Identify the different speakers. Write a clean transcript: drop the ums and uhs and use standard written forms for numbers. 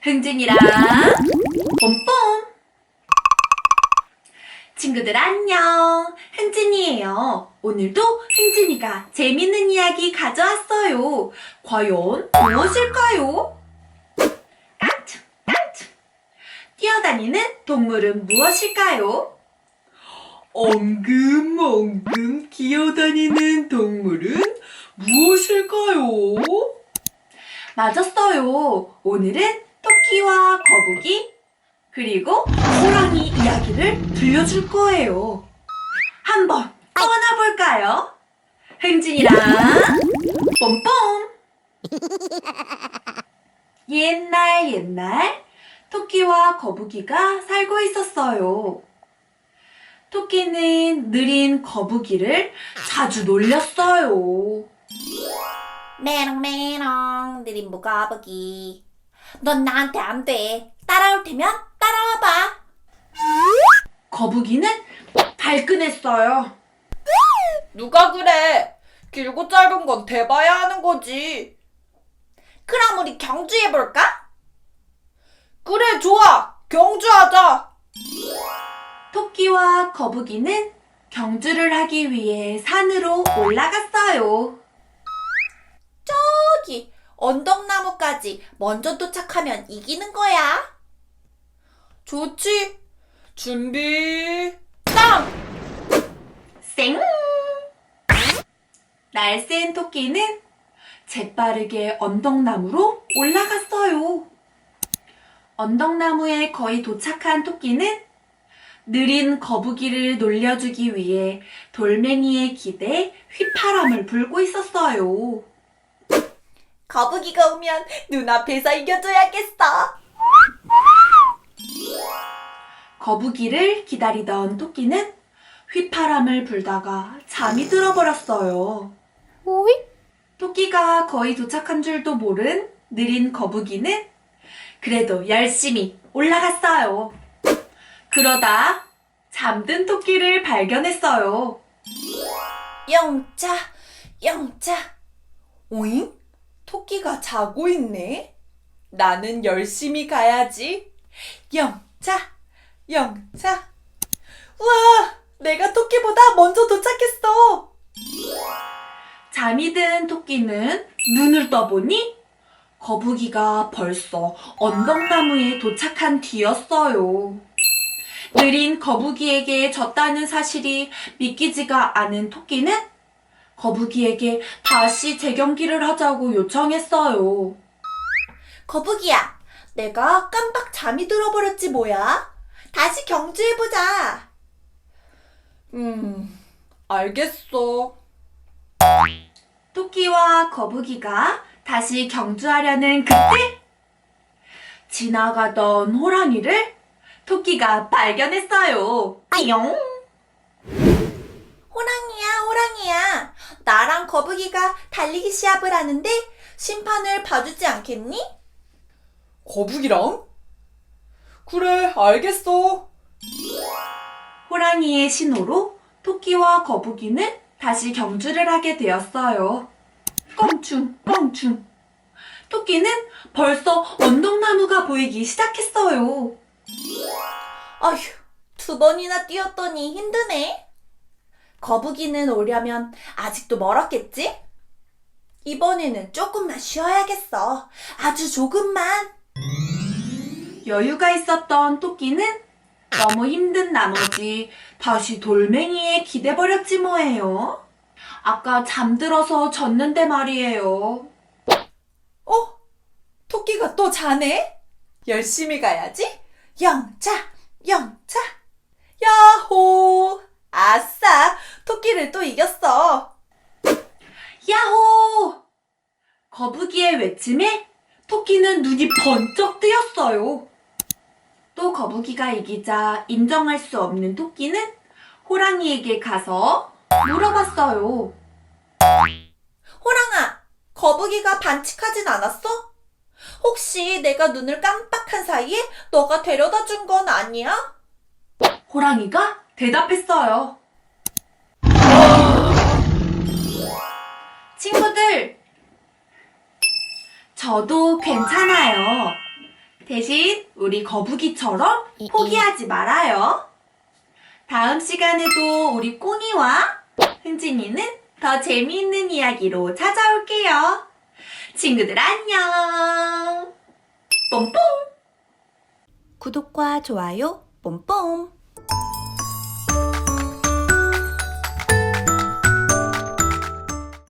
Speaker 1: 흥진이랑 뽐뽐. 친구들 안녕. 흥진이에요. 오늘도 흥진이가 재밌는 이야기 가져왔어요. 과연 무엇일까요? 깡충 깡충. 뛰어다니는 동물은 무엇일까요? 엉금엉금 기어다니는 동물은 무엇일까요? 맞았어요. 오늘은 토끼와 거북이 그리고 호랑이 이야기를 들려줄 거예요. 한번 떠나볼까요? 흥진이랑 뽐뽐. 옛날 토끼와 거북이가 살고 있었어요. 토끼는 느린 거북이를 자주 놀렸어요.
Speaker 2: 메롱메롱 느린 무거북이, 넌 나한테 안 돼. 따라올 테면 따라와봐.
Speaker 1: 거북이는 발끈했어요.
Speaker 2: 누가 그래? 길고 짧은 건 대봐야 하는 거지. 그럼 우리 경주해볼까? 그래, 좋아. 경주하자.
Speaker 1: 토끼와 거북이는 경주를 하기 위해 산으로 올라갔어요.
Speaker 2: 저기 언덕나무까지 먼저 도착하면 이기는 거야. 좋지. 준비, 땅!
Speaker 1: 쌩! 날쌘 토끼는 재빠르게 언덕나무로 올라갔어요. 언덕나무에 거의 도착한 토끼는 느린 거북이를 놀려주기 위해 돌멩이에 기대 휘파람을 불고 있었어요.
Speaker 2: 거북이가 오면 눈앞에서 이겨줘야겠어.
Speaker 1: 거북이를 기다리던 토끼는 휘파람을 불다가 잠이 들어버렸어요.
Speaker 2: 오이?
Speaker 1: 토끼가 거의 도착한 줄도 모른 느린 거북이는 그래도 열심히 올라갔어요. 그러다 잠든 토끼를 발견했어요.
Speaker 2: 영차, 영차. 오잉? 토끼가 자고 있네? 나는 열심히 가야지. 영차, 영차. 우와! 내가 토끼보다 먼저 도착했어.
Speaker 1: 잠이 든 토끼는 눈을 떠보니 거북이가 벌써 언덕나무에 도착한 뒤였어요. 느린 거북이에게 졌다는 사실이 믿기지가 않은 토끼는 거북이에게 다시 재경기를 하자고 요청했어요.
Speaker 2: 거북이야, 내가 깜빡 잠이 들어버렸지 뭐야? 다시 경주해보자. 알겠어.
Speaker 1: 토끼와 거북이가 다시 경주하려는 그때 지나가던 호랑이를 토끼가 발견했어요. 띠용!
Speaker 2: 호랑이야, 호랑이야. 나랑 거북이가 달리기 시합을 하는데 심판을 봐주지 않겠니?
Speaker 3: 거북이랑? 그래, 알겠어.
Speaker 1: 호랑이의 신호로 토끼와 거북이는 다시 경주를 하게 되었어요. 껑충, 껑충. 토끼는 벌써 언덕나무가 보이기 시작했어요.
Speaker 2: 어휴, 2번이나 뛰었더니 힘드네. 거북이는 오려면 아직도 멀었겠지? 이번에는 조금만 쉬어야겠어. 아주 조금만.
Speaker 1: 여유가 있었던 토끼는 너무 힘든 나머지 다시 돌멩이에 기대버렸지 뭐예요. 아까 잠들어서 졌는데 말이에요.
Speaker 2: 토끼가 또 자네? 열심히 가야지. 영차, 영차. 야호! 아싸! 토끼를 또 이겼어.
Speaker 1: 야호! 거북이의 외침에 토끼는 눈이 번쩍 뜨였어요. 또 거북이가 이기자 인정할 수 없는 토끼는 호랑이에게 가서 물어봤어요.
Speaker 2: 호랑아, 거북이가 반칙하진 않았어? 혹시 내가 눈을 깜빡한 사이에 너가 데려다 준 건 아니야?
Speaker 1: 호랑이가 대답했어요. 친구들, 저도 괜찮아요. 대신 우리 거북이처럼 포기하지 말아요. 다음 시간에도 우리 꽁이와 흥진이는 더 재미있는 이야기로 찾아올게요. 친구들 안녕. 뽐뽐.
Speaker 2: 구독과 좋아요 뽐뽐.